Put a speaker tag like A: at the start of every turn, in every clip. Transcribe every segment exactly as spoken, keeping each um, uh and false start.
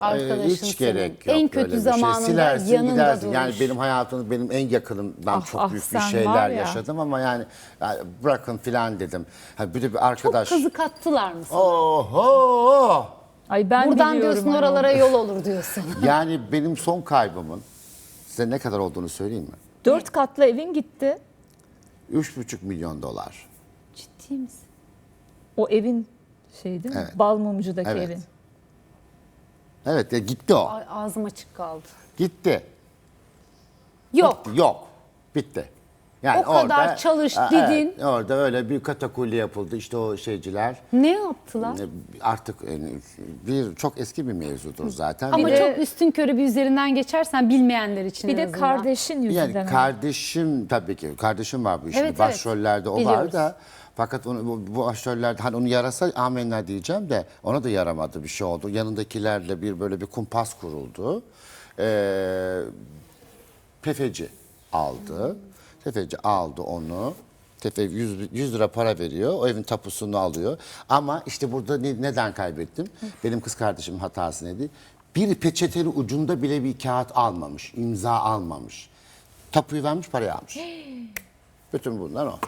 A: Arkadaşın
B: Hiç
A: senin.
B: gerek yok.
A: En kötü
B: öyle bir şey.
A: zamanında
B: Silersin,
A: yanında
B: gidersin.
A: durmuş.
B: Yani benim hayatımda benim en yakınım. Ben
C: Ah,
B: çok
C: ah,
B: büyük bir
C: sen var
B: şeyler
C: ya.
B: yaşadım ama yani, yani bırakın filan dedim. Ha, bir de bir
A: Çok
B: arkadaş.
A: kazık attılar mı sana?
B: Oho!
C: Ay ben
A: Buradan
C: biliyorum
A: diyorsun
C: hani
A: oralara
C: onu.
A: yol olur diyorsun.
B: Yani benim son kaybımın size ne kadar olduğunu söyleyeyim mi?
C: Dört katlı evin gitti.
B: Üç buçuk milyon dolar.
A: Ciddi misin?
C: O evin şey değil mi?
B: Evet.
C: Balmumcu'daki
B: Evet.
C: evin.
B: Evet, ya gitti o.
A: Ay, ağzım açık kaldı.
B: Gitti.
A: Yok.
B: Bitti, yok. Bitti. Yani
A: O kadar çalış,
B: Ha,
A: didin.
B: evet, orada öyle bir katakulli yapıldı. İşte o şeyciler.
A: Ne yaptılar?
B: Artık yani bir çok eski bir mevzudur zaten.
A: Ama
B: Ve
A: çok üstün körü bir üzerinden geçersen bilmeyenler için
C: Bir
A: en
C: de
A: azından.
C: kardeşin yüzünden.
B: yani
C: öyle.
B: kardeşim tabii ki kardeşim var bu işin.
A: Evet, evet.
B: Başrollerde o var
A: Biliyoruz.
B: da fakat onu, bu, bu başrollerde hani onu yarasa amenna diyeceğim de ona da yaramadı bir şey oldu. Yanındakilerle bir böyle bir kumpas kuruldu. Ee, Tefeci aldı. Tefeci aldı onu. Tefe yüz lira para veriyor. O evin tapusunu alıyor. Ama işte burada ne- neden kaybettim? Benim kız kardeşimin hatası neydi? Bir peçeteli ucunda bile bir kağıt almamış. İmza almamış. Tapuyu vermiş, parayı almış. Bütün bunlar o.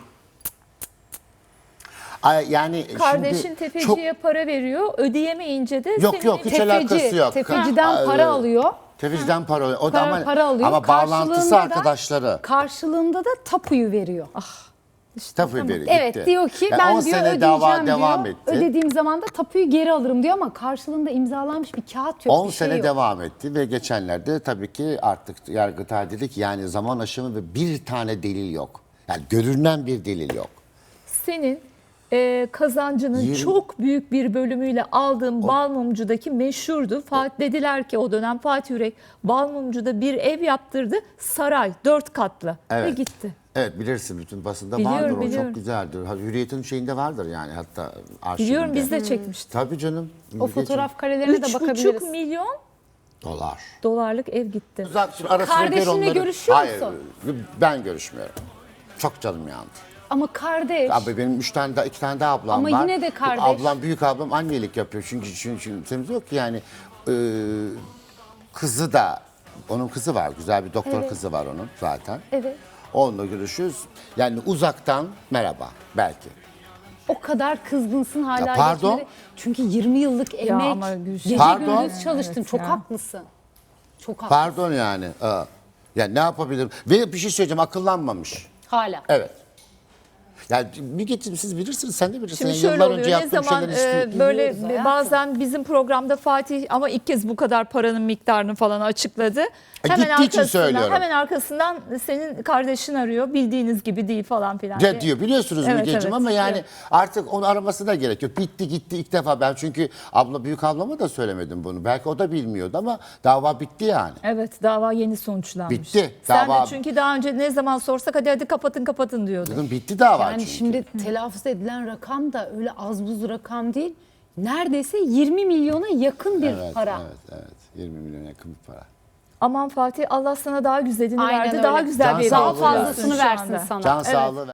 B: Ay, yani
C: Kardeşin
B: şimdi
C: tefeciye
B: çok-
C: para veriyor. Ödeyemeyince de
B: Yok,
C: senin
B: yok, hiç alakası yok.
A: Tefeciden
B: Ha,
A: para
B: e,
A: alıyor.
B: Tefeciden para alıyor. O da
A: Para,
B: ama,
A: para alıyor.
B: ama bağlantısı
A: Karşılığında da-
B: arkadaşları.
A: Karşılığında da tapuyu veriyor.
B: Tapuyu veriyor.
A: Evet
B: gitti.
A: diyor ki
B: Yani
A: ben
B: on
A: diyor
B: sene
A: ödeyeceğim
B: dava
A: diyor.
B: devam etti.
A: Ödediğim zaman da tapuyu geri alırım diyor ama karşılığında imzalanmış bir kağıt yok.
B: on
A: bir şey
B: sene
A: yok.
B: devam etti ve geçenlerde tabii ki artık Yargıtay dedi ki yani zaman aşımı ve bir tane delil yok. Yani görünen bir delil yok.
C: senin e, kazancının
B: Yirmi-
C: çok büyük bir bölümüyle aldığın Balmumcu'daki meşhurdu. Fatih dediler ki o dönem Fatih Yürek Balmumcu'da bir ev yaptırdı. Saray dört katlı ve
B: Evet.
C: gitti.
B: Evet, bilirsin, bütün basında
C: Biliyorum,
B: vardır o,
C: biliyorum.
B: çok güzeldir. Ha, Hürriyet'in şeyinde vardır yani, hatta arşivinde.
C: Biliyorum biz de çekmiştik.
B: Tabii canım.
A: O
B: Hürriyet'in-
A: fotoğraf karelerine de
C: Üç
A: bakabiliriz.
C: buçuk milyon
B: Dolar.
C: dolarlık ev gitti.
B: Zaten şimdi ara sıra der
A: Kardeşinle
B: onları-
A: görüşüyor
B: Hayır,
A: musun?
B: ben görüşmüyorum. Çok canım yandı.
A: Ama kardeş.
B: Abi benim üç tane daha, iki tane daha ablam
A: Ama
B: var.
A: yine de kardeş.
B: Ablam, büyük ablam annelik yapıyor. Çünkü çünkü, çünkü temiz yok ki yani. e, kızı da, onun kızı var. Güzel bir doktor
A: Evet.
B: kızı var onun zaten.
A: Evet.
B: Onunla görüşüyoruz. Yani uzaktan merhaba belki.
A: O kadar kızgınsın hala
B: Ya pardon?
A: geçmedi. Çünkü yirmi yıllık emek,
C: ama Gülşen-
A: gece
B: Pardon?
A: gündüz çalıştın.
C: Evet
A: Çok
C: ya.
A: haklısın. Çok haklısın.
B: Pardon yani. Aa. Ya ne yapabilirim? Ve bir şey söyleyeceğim, akıllanmamış.
A: Hala.
B: Evet. Yani bir getir, siz bilirsiniz, sen de bilirsin.
C: Şimdi
B: Yani
C: şöyle
B: yıllar
C: oluyor.
B: önce
C: Ne
B: yaptığım
C: zaman
B: şeyleri
C: e,
B: hiç-
C: böyle
A: Biliyoruz hayatım.
C: bazen bizim programda Fatih ama ilk kez bu kadar paranın miktarını falan açıkladı.
B: E, gittiği için söylüyorum.
C: Hemen arkasından senin kardeşin arıyor. Bildiğiniz gibi değil falan filan. diye.
B: Ya diyor, biliyorsunuz
C: Evet,
B: Mügeciğim,
C: evet,
B: ama yani
C: evet.
B: artık onu araması da gerek yok. Bitti gitti ilk defa, ben çünkü abla, büyük ablama da söylemedim bunu. Belki o da bilmiyordu ama dava bitti yani.
C: Evet, dava yeni sonuçlanmış.
B: Bitti,
C: Sen
B: dava-
C: de çünkü daha önce ne zaman sorsak hadi hadi kapatın kapatın diyordu.
B: Dedim bitti dava
A: Yani
B: çünkü.
A: şimdi telaffuz edilen rakam da öyle az buz rakam değil. Neredeyse yirmi milyona yakın bir
B: Evet,
A: para.
B: evet, evet. yirmi milyon yakın bir para.
C: Aman Fatih Allah sana daha güzelini
A: Aynen
C: verdi.
A: öyle.
C: Daha güzel
B: Can
C: bir ev
B: sağlığı
A: Daha
C: alıyorsun
A: fazlasını
C: şu
A: versin
C: anda.
A: sana.
B: Can
C: Evet.
B: sağlığı